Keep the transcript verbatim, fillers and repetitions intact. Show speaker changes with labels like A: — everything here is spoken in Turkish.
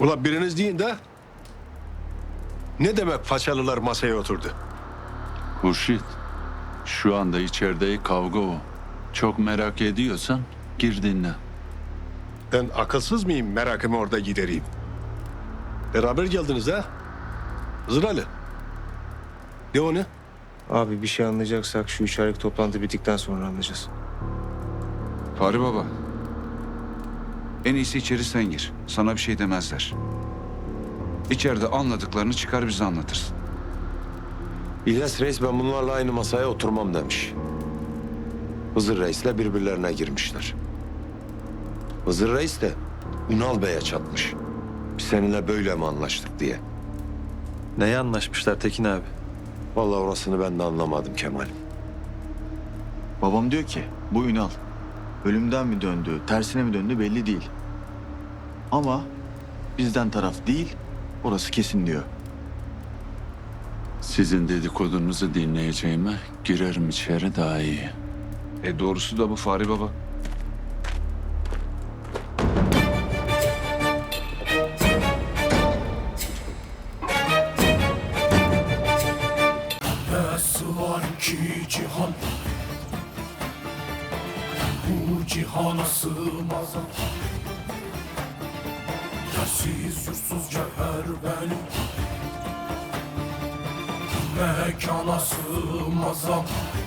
A: Ulan biriniz deyin de ne demek Façalılar masaya oturdu?
B: Hurşit, şu anda içeride kavga o. Çok merak ediyorsan gir dinle.
A: Ben akılsız mıyım, merakımı orada gidereyim. Beraber geldiniz ha? Hızır Ali. Ne o ne?
C: Abi bir şey anlayacaksak şu üç aylık toplantı bittikten sonra anlayacağız.
D: Fahri Baba. En iyisi içeri sen gir. Sana bir şey demezler. İçeride anladıklarını çıkar bize anlatırsın.
E: İlyas Reis ben bunlarla aynı masaya oturmam demiş. Hızır Reis'le birbirlerine girmişler. Hızır Reis de Ünal Bey'e çatmış. Biz seninle böyle mi anlaştık diye.
F: Neye anlaşmışlar Tekin abi?
E: Vallahi orasını ben de anlamadım Kemal.
F: Babam diyor ki bu Ünal ölümden mi döndü, tersine mi döndü belli değil. Ama bizden taraf değil, orası kesin diyor.
B: Sizin dedikodunuzu dinleyeceğime girerim içeri daha iyi.
D: E doğrusu da bu Fahri Baba.
G: Nasıl var ki cihan, bu cihana sığmaz. Yersiz yursuz cevher benim, mekana sığmaz.